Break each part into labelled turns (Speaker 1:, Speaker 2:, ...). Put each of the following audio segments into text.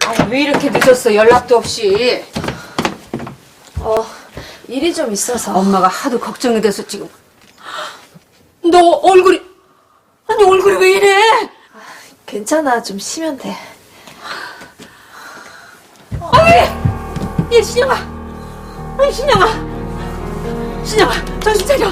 Speaker 1: 왜 이렇게 늦었어? 연락도 없이.
Speaker 2: 일이 좀 있어서.
Speaker 1: 엄마가 하도 걱정이 돼서 지금. 너 얼굴이, 아니 얼굴이 왜 이래?
Speaker 2: 괜찮아, 좀 쉬면 돼.
Speaker 1: 얘 신영아, 아니 신영아, 신영아 정신 차려.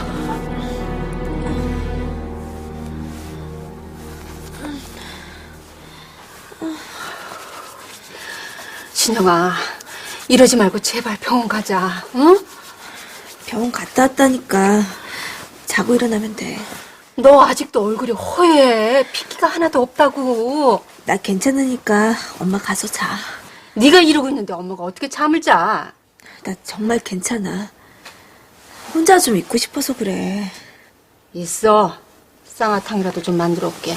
Speaker 1: 신영아, 이러지 말고 제발 병원 가자, 응?
Speaker 2: 병원 갔다 왔다니까. 자고 일어나면 돼.
Speaker 1: 너 아직도 얼굴이 허해. 핏기가 하나도 없다고.
Speaker 2: 나 괜찮으니까 엄마 가서 자.
Speaker 1: 네가 이러고 있는데 엄마가 어떻게 잠을 자?
Speaker 2: 나 정말 괜찮아. 혼자 좀 있고 싶어서 그래.
Speaker 1: 있어. 쌍화탕이라도 좀 만들어 올게.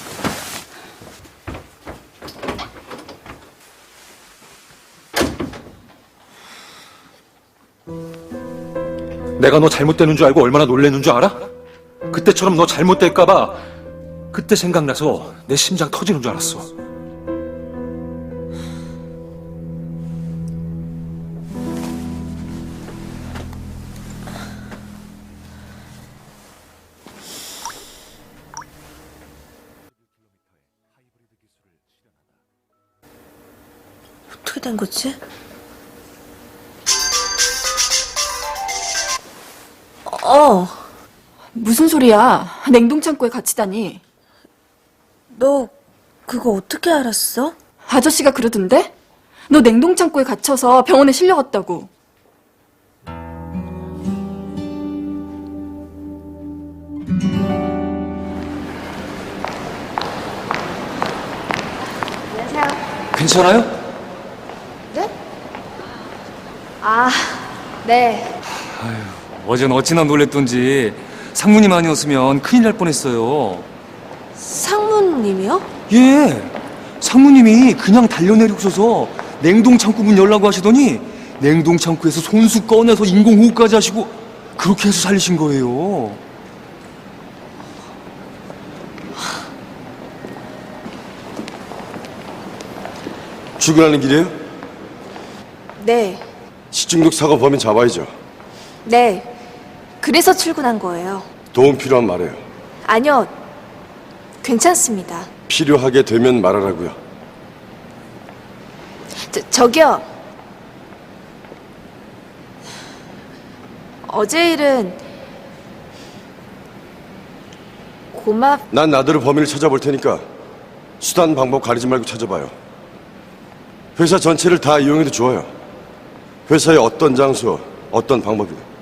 Speaker 3: 내가 너 잘못되는 줄 알고 얼마나 놀랬는 줄 알아? 그때처럼 너 잘못될까봐 그때 생각나서 내 심장 터지는 줄 알았어.
Speaker 2: 어떻게 된 거지?
Speaker 4: 무슨 소리야? 냉동창고에 갇히다니.
Speaker 2: 너 그거 어떻게 알았어?
Speaker 4: 아저씨가 그러던데? 너 냉동창고에 갇혀서 병원에 실려갔다고.
Speaker 3: 괜찮아요?
Speaker 2: 네? 아, 네.
Speaker 5: 어젠 어찌나 놀랬던지 상무님 아니었으면 큰일 날 뻔했어요.
Speaker 2: 상무님이요?
Speaker 5: 예, 상무님이 그냥 달려내리고서서 냉동창고 문 열라고 하시더니 냉동창고에서 손수 꺼내서 인공호흡까지 하시고 그렇게 해서 살리신 거예요.
Speaker 6: 출근하는 길이에요?
Speaker 2: 네.
Speaker 6: 식중독 사고 범인 잡아야죠.
Speaker 2: 네. 그래서 출근한 거예요.
Speaker 6: 도움 필요한 말해요.
Speaker 2: 아니요. 괜찮습니다.
Speaker 6: 필요하게 되면 말하라고요.
Speaker 2: 저기요. 어제 일은
Speaker 6: 난 나대로 범인을 찾아볼 테니까 수단 방법 가리지 말고 찾아봐요. 회사 전체를 다 이용해도 좋아요. 회사의 어떤 장소, 어떤 방법이든.